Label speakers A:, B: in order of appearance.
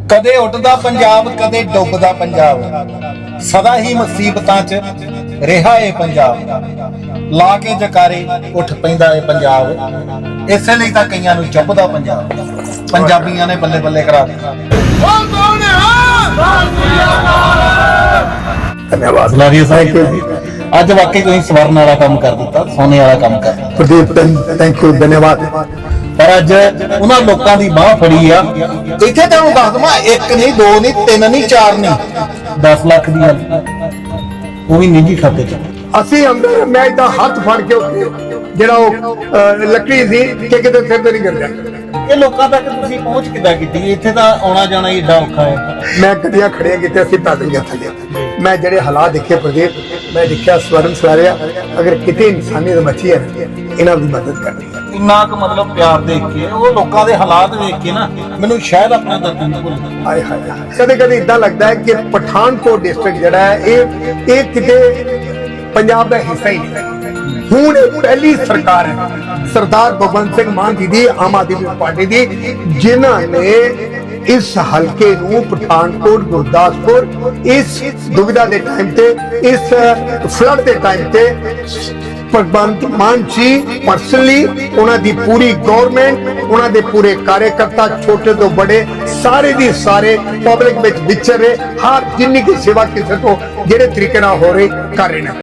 A: कदे उठदा पंजाब कदे डुबदा पंजाब, सदा ही मुसीबतां च रिहा है पंजाब। ला के जकारे उठ पैंदा है पंजाब, इसे लई तां कईयां नूं चुभदा पंजाब। पंजाबियां ने बल्ले बल्ले करा दित्ता। धन्यवाद अज वाकई तुसीं सवरन वाला काम कर दिता, सोने वाला काम कर दिता।
B: प्रदीप थैंक यू, धन्यवाद।
A: पर अज उन्हां लोकां दी बाह फड़ी आ, इत्थे तुहानूं दस दवां, एक नहीं दो नहीं तीन नहीं चार नहीं 10 लाख दी गल वो भी निजी खाते च।
B: ਅਸੀਂ ਅੰਦਰ ਮੈਂ ਇਦਾਂ ਹੱਥ ਫੜ ਕੇ ਉੱਤੇ ਜਿਹੜਾ ਉਹ ਲੱਕੜੀ ਸੀ ਕਿ ਕਿਤੇ ਸਿਰ ਤੇ ਨਹੀਂ ਗਿਰ
A: ਇਹ ਲੋਕਾਂ ਤੱਕ ਤੁਸੀਂ ਪਹੁੰਚ ਕਿੱਦਾਂ ਕੀਤੀ? ਇੱਥੇ ਤਾਂ ਆਉਣਾ ਜਾਣਾ ਹੀ ਏਡਾ ਔਖਾ ਹੈ।
B: ਮੈਂ ਗੱਡੀਆਂ ਖੜੀਆਂ ਕੀਤੇ, ਅਸੀਂ ਪੈਦਲ ਗਏ ਥੱਲੇ। ਮੈਂ ਜਿਹੜੇ ਹਾਲਾਤ ਦੇਖੇ ਪ੍ਰਦੀਪ, ਮੈਂ ਦੇਖਿਆ ਸਵਰਨ ਸਵਾਰਿਆ ਅਗਰ ਕਿਤੇ ਇਨਸਾਨੀਅਤ ਬਚੀ ਹੈ ਇਹਨਾਂ ਦੀ ਮਦਦ ਕਰਨੀ ਹੈ।
A: ਇੰਨਾ ਕੁ ਮਤਲਬ ਪਿਆਰ ਦੇਖ ਕੇ, ਉਹ ਲੋਕਾਂ ਦੇ ਹਾਲਾਤ ਵੇਖ ਕੇ ਨਾ ਮੈਨੂੰ ਸ਼ਾਇਦ ਆਪਣਾ ਦਰਦ ਨਹੀਂ ਭੁੱਲਦਾ।
B: ਹਾਏ ਹਾਏ ਕਦੇ ਕਦੇ ਇਦਾਂ ਲੱਗਦਾ ਹੈ ਕਿ ਪਠਾਨਕੋਟ ਡਿਸਟ੍ਰਿਕਟ ਜਿਹੜਾ ਹੈ ਇਹ ਕਿਤੇ ਪੰਜਾਬ ਦਾ ਹਿੱਸਾ ਹੀ ਨਹੀਂ। ਹੁਣ ਇਹ ਪਹਿਲੀ ਸਰਕਾਰ ਹੈ ਸਰਦਾਰ ਭਗਵੰਤ ਸਿੰਘ ਮਾਨ ਜੀ ਦੀ, ਆਮ ਆਦਮੀ ਪਾਰਟੀ ਦੀ, ਜਿਨ੍ਹਾਂ ਨੇ ਇਸ ਹਲਕੇ ਨੂੰ ਪਠਾਨਕੋਟ ਗੁਰਦਾਸਪੁਰ ਇਸ ਦੁਵਿਧਾ ਦੇ ਟਾਈਮ ਤੇ, ਇਸ ਫਲੱਡ ਦੇ ਟਾਈਮ ਤੇ ਭਗਵੰਤ ਮਾਨ ਜੀ ਪਰਸਨਲੀ, ਉਹਨਾਂ ਦੀ ਪੂਰੀ ਗਵਰਨਮੈਂਟ, ਉਹਨਾਂ ਦੇ ਪੂਰੇ ਕਾਰਜਕਰਤਾ ਛੋਟੇ ਤੋਂ ਬੜੇ ਸਾਰੇ ਦੀ ਸਾਰੇ ਪਬਲਿਕ ਵਿੱਚ ਵਿਚਰ ਰਹੇ, ਹਰ ਜਿੰਨੀ ਕੀ ਸੇਵਾ ਕਿਸੇ ਤੋਂ ਜਿਹੜੇ ਤਰੀਕੇ ਨਾਲ ਹੋ ਰਹੀ ਕਰ ਰਹੇ ਨੇ।